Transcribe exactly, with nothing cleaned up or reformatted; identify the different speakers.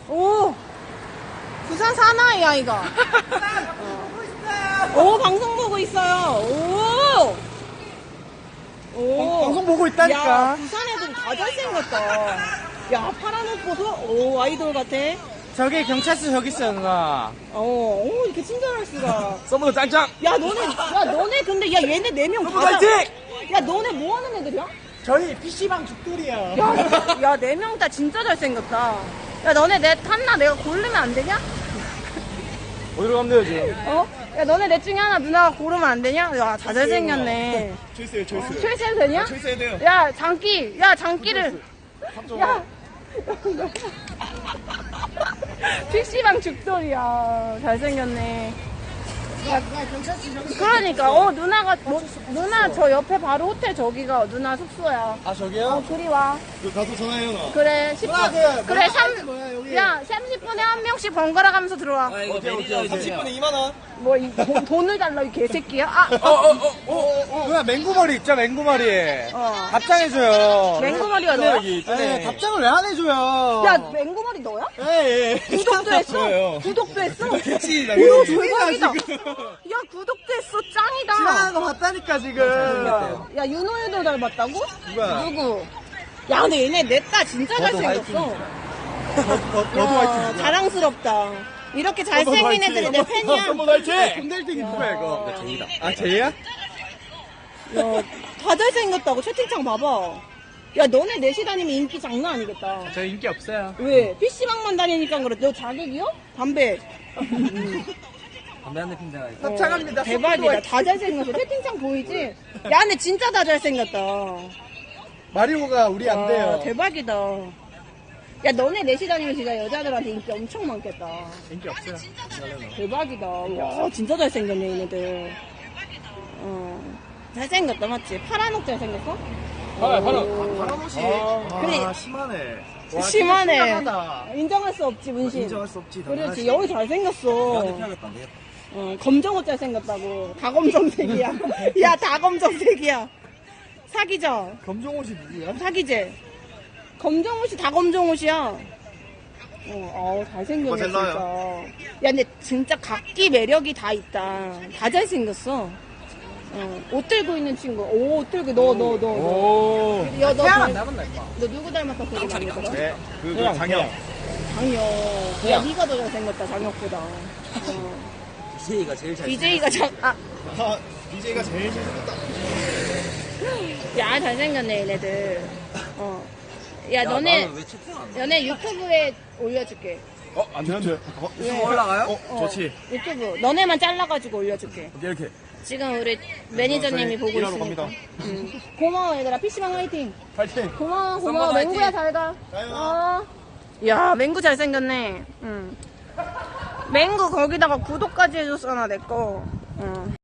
Speaker 1: 오! 부산 사나이야, 이거. 어. 오, 방송 보고 있어요. 오! 오.
Speaker 2: 방송 보고 있다니까.
Speaker 1: 야, 부산 애들이 다 잘생겼다. 야, 파란 옷 보소? 오, 아이돌 같아.
Speaker 2: 저기 경찰서 저기 있어요, 누나.
Speaker 1: 어, 오, 이렇게 친절할 수가.
Speaker 2: 서브도 짱짱.
Speaker 1: 야, 너네, 야, 너네 근데, 야, 얘네 네 명
Speaker 2: 서브
Speaker 1: 다.
Speaker 2: 화이팅!
Speaker 1: 야, 너네 뭐 하는 애들이야?
Speaker 2: 저희 피씨방 죽돌이야.
Speaker 1: 야, 야, 네 명 다 진짜 잘생겼다. 야, 너네 내 탔나? 내가 고르면 안 되냐?
Speaker 2: 어디로 가면 돼요, 지금?
Speaker 1: 어? 야, 너네 넷 중에 하나 누나가 고르면 안 되냐? 야, 다 잘생겼네.
Speaker 2: 초이스해요, 초이스.
Speaker 1: 초이스해도 되냐?
Speaker 2: 초이스해야 돼요.
Speaker 1: 야, 장기, 야, 장기를. 야. 피씨방 죽돌이야. 잘생겼네. 야, 그러니까, 어, 누나가, 뭐, 누나 저 옆에 바로 호텔 저기가 누나 숙소야.
Speaker 2: 아, 저기요?
Speaker 1: 어, 그리 와.
Speaker 2: 그 가서 전화해요, 나.
Speaker 1: 그래, 십 분.
Speaker 2: 누나, 그,
Speaker 1: 그래,
Speaker 2: 뭐야,
Speaker 1: 삼,
Speaker 2: 뭐야, 여기.
Speaker 1: 야, 삼십 분에 한 명씩 번갈아 가면서 들어와.
Speaker 2: 어때, 어때? 삼십 분에 이만 원.
Speaker 1: 뭐, 이, 돈- 돈을 달라, 이 개새끼야? 아,
Speaker 2: 어, 어, 어, 어, 어. 누나, 맹구머리 있죠, 맹구머리.
Speaker 1: 어.
Speaker 2: 답장해줘요.
Speaker 1: 맹구머리가 너야?
Speaker 2: 여기 있잖아요. 네, 답장을 왜 안 해줘요?
Speaker 1: 야, 맹구머리 너야?
Speaker 2: 예, 예.
Speaker 1: 구독도 했어?
Speaker 2: 저요.
Speaker 1: 구독도 했어?
Speaker 2: 그치, 나
Speaker 1: 오,
Speaker 2: 그치.
Speaker 1: 대박이다.
Speaker 2: 지금.
Speaker 1: 야, 구독도 했어. 짱이다.
Speaker 2: 지나가는 거 봤다니까, 지금.
Speaker 1: 야, 야, 윤호유도 닮았다고?
Speaker 2: 누가?
Speaker 1: 누구? 야, 근데 얘네 넷다 진짜
Speaker 2: 너도
Speaker 1: 잘생겼어.
Speaker 2: 너도
Speaker 1: 야,
Speaker 2: 화이팅.
Speaker 1: 자랑스럽다. 이렇게 잘생긴 애들이 내 팬이야.
Speaker 2: 한번 화이팅! 금달등이 누구야, 이거? 나 제이다. 아, 제이야?
Speaker 1: 야, 다 잘생겼다고. 채팅창 봐봐. 야, 너네 넷이 다니면 인기 장난 아니겠다.
Speaker 2: 저 인기 없어요.
Speaker 1: 왜? 피씨방만 다니니까 그래. 너 자객이요? 담배.
Speaker 2: 담배 한 대 핀다.
Speaker 1: 어, 대박이다. 다 잘생겼어. 채팅창 보이지? 야, 근데 진짜 다 잘생겼다.
Speaker 2: 마리오가 우리 안
Speaker 1: 와,
Speaker 2: 돼요.
Speaker 1: 대박이다. 야, 너네 넷이 다니면 진짜 여자들한테 인기 엄청 많겠다.
Speaker 2: 인기 없어요.
Speaker 1: 대박이다. 와, 진짜 잘생겼네, 얘네들. 어, 잘생겼다, 맞지? 파란 옷 잘생겼어?
Speaker 2: 파란, 파란.
Speaker 1: 오.
Speaker 2: 파란 옷이.
Speaker 1: 아, 그래.
Speaker 2: 심하네.
Speaker 1: 심하네.
Speaker 2: 심각하다.
Speaker 1: 인정할 수 없지, 문신.
Speaker 2: 인정할 수 없지.
Speaker 1: 그렇지, 여기 잘생겼어.
Speaker 2: 펴야겠다, 안 되겠다.
Speaker 1: 어, 검정 옷 잘생겼다고. 다 검정색이야. 야, 다 검정색이야. 사기죠?
Speaker 2: 검정 옷이 누구야?
Speaker 1: 사기제. 검정 옷이 다 검정 옷이야. 어, 어 잘생겼네,
Speaker 2: 그거
Speaker 1: 진짜.
Speaker 2: 젤라요?
Speaker 1: 야, 근데 진짜 각기 매력이 다 있다. 다 잘생겼어. 어, 옷 들고 있는 친구. 오, 옷 들고, 너, 너, 너, 너.
Speaker 2: 오.
Speaker 1: 야, 너,
Speaker 2: 태양
Speaker 1: 너,
Speaker 2: 안 닮았나, 임마?
Speaker 1: 너 누구 닮았다 소리 많이 들어?
Speaker 2: 네. 그, 그 장혁.
Speaker 1: 장혁. 야,
Speaker 2: 태양.
Speaker 1: 니가 더 잘생겼다, 장혁보다. 어.
Speaker 3: 디제이가 제일 잘
Speaker 1: 디제이가 장, 아,
Speaker 2: 아, 디제이가 제일 잘생겼다.
Speaker 1: 야, 잘생겼네, 얘네들. 어. 야, 너네,
Speaker 3: 왜 채팅 안 해?
Speaker 1: 너네 유튜브에 올려줄게.
Speaker 2: 어, 안 돼, 안 돼. 어,
Speaker 1: 왜?
Speaker 3: 올라가요?
Speaker 2: 어,
Speaker 1: 어,
Speaker 2: 좋지.
Speaker 1: 유튜브. 너네만 잘라가지고 올려줄게.
Speaker 2: 이렇게.
Speaker 1: 지금 우리 매니저님이
Speaker 2: 저희
Speaker 1: 보고
Speaker 2: 일하러
Speaker 1: 있으니까.
Speaker 2: 갑니다.
Speaker 1: 응. 고마워, 얘들아. 피씨방 화이팅.
Speaker 2: 파이팅.
Speaker 1: 고마워, 고마워.
Speaker 3: 썸머
Speaker 1: 맹구야,
Speaker 3: 화이팅.
Speaker 1: 잘 가.
Speaker 2: 가요.
Speaker 1: 어. 야, 맹구 잘생겼네. 응. 맹구 거기다가 구독까지 해줬잖아, 내 거. 응.